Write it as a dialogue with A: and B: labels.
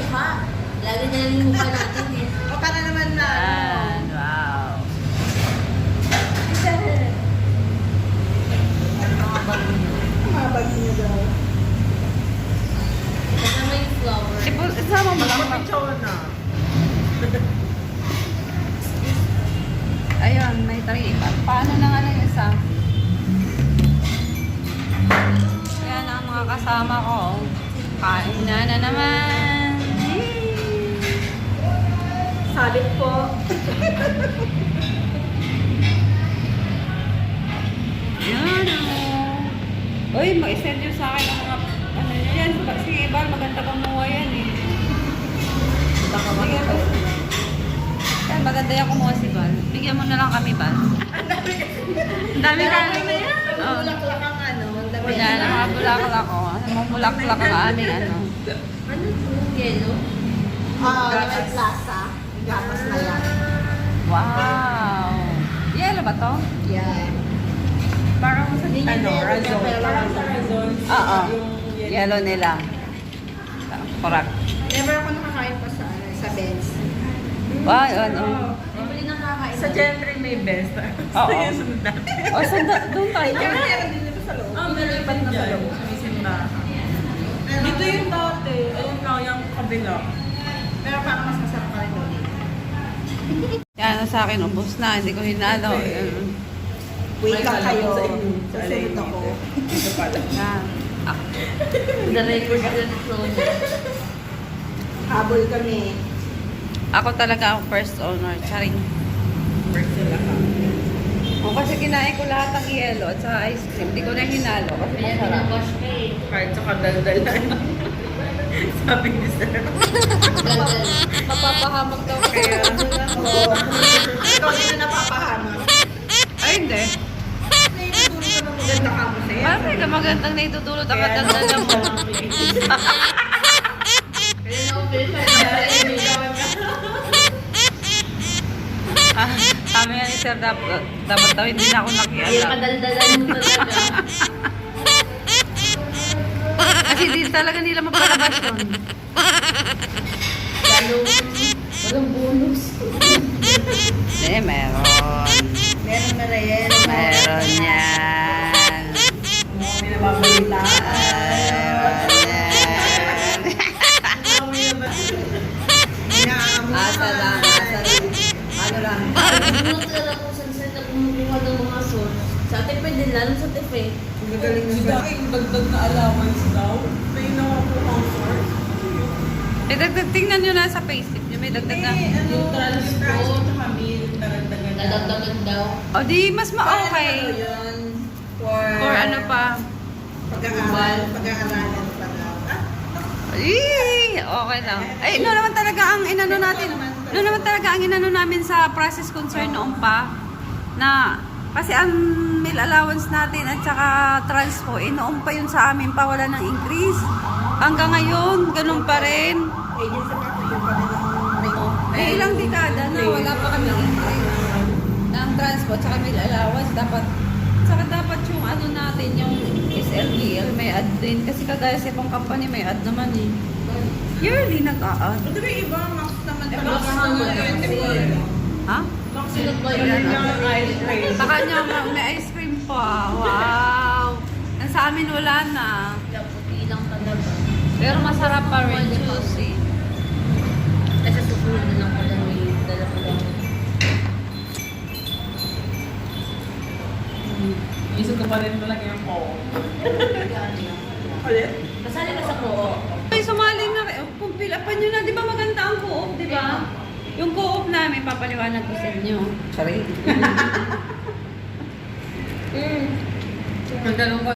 A: mukha. Lagi na lang yung mukha natin eh.
B: O para naman na.
C: Yan. Wow.
A: Mga bago nyo.
B: Mga bag niyo daw.
A: Kasama yung flower.
C: Isama mo lang.
B: Picture na.
C: Ayun, may 3. Paano na nga lang yung isa? Ayan ang mga kasama ko. Kain na naman.
B: Sabit po.
C: Yan o. Uy, mag-send nyo sa akin ang mga ano nyo yan. Sige, Bal, maganda kumuha yan eh.
A: Baka
C: Sige,
A: makita.
C: Bal. Yan, maganda yung kumuha si Bal. Bigyan mo na lang kami, Bal. Ang dami kami. Oo.
B: Bulaklak ang ano. ang dami.
C: Yan, ang mga bulaklak ko. Ang mga bulaklak ang aming ano.
A: Ano to? Yellow?
B: May plaza. Gapas na yan.
C: Wow! Yellow ba to?
B: Yeah.
C: Parang sa
B: Ano, razor.
A: Parang sa razor.
C: Oo. Yellow nila. Correct.
B: Never ako nakakain pa sa sa Benz.
C: Wow, ano.
A: Hindi mo nakakain.
B: Sa Gentry may best.
C: Oo. O, doon tayo.
B: Meron din dito sa loob.
A: Nilipat na sa loob.
B: Dito yung dati. Ayun lang yung kabila. Pero parang mas masarap pa rin doon.
C: Yan, sa akin, ubos na. Hindi ko hinalo. Yan.
B: Wait lang kayo. Sasunod ako.
C: Yan. Ah.
A: The record is frozen.
B: Habol kami.
C: Ako talaga ang first owner. Charing.
B: First sila ka.
C: O, kasi kinain ko lahat ng yellow at sa ice cream. Hindi ko na hinalo kasi
A: Kaya
C: masarap.
A: pinawash ka eh.
B: Kahit sa kadaldalan. Sabi ni Sir.
A: Gandal.
C: Mapapahamak daw kaya.
B: Oo. Ikaw dito napapahamak.
C: Ay, hindi.
B: Naitutulog ka ng maganda ka mo sa'yo.
C: Bakit ka magandang naitutulot ang
B: Kaya
C: katagdala mo?
A: Kaya na-open
C: Ah, sabi nga ni Sir, dapat daw hindi na ako
A: Kaya
C: nakialam.
A: kadaldalan mo talaga.
C: Kasi di talaga nila mapalabas yun.
A: Lalo, walang bonus.
C: Eh, meron.
B: Meron na rin.
C: Meron yan.
B: May nababalita.
C: Asa lang, asa lang. Ano lang.
A: Bunot talaga kung saan na kumukuha ng mga sauce. Sa ate pwede lalo sa tefe.
B: Magaling na siya. Ay, dagdag na allowance daw. May nawapo ang source.
C: Eh, tingnan nyo na sa payslip nyo. May dagdag na.
A: Yung transport.
B: Dadagdagan
A: Dadagdagan daw.
C: O, di mas ma-okay.
B: Yun. For
C: Or ano pa.
B: pag-aaralan pa daw.
C: Okay lang. Ay, no naman talaga ang inano natin. No naman talaga ang inano namin sa process concern noon pa. Na, kasi ang meal allowance natin at saka transpo, noon pa yun sa amin pa, wala ng increase. Hanggang ngayon, ganun pa rin.
B: Agency pa ko yung pa rin ang ring-off.
C: May ilang dekada na wala pa kami increase ng transpo at saka meal allowance. Dapat yung ano natin, yung SLBL, may add din. Kasi kagaya sa ibang company, may add naman eh. Yearly nag-a-add.
B: Pero yung iba, max naman
A: Eh,
B: talaga.
A: max naman kasi.
C: Ha?
A: Sunod ba yun?
B: Ice cream.
C: Sa kanya, may ice cream pa. Wow! Ang sa amin wala na.
A: Puti lang talaga.
C: Pero masarap pa rin juicy.
A: Kasi susunod na lang pala may dala ko lang.
B: Isip ko pa rin talaga yung po. Ulit?
A: Kasali ka sa co-op.
C: Ay, sumali na kayo. Kung pilapan nyo na, di ba maganda ang co-op, di ba? Yung co-op namin, papaliwanag ko sa inyo. Sorry.
B: Magdalong ko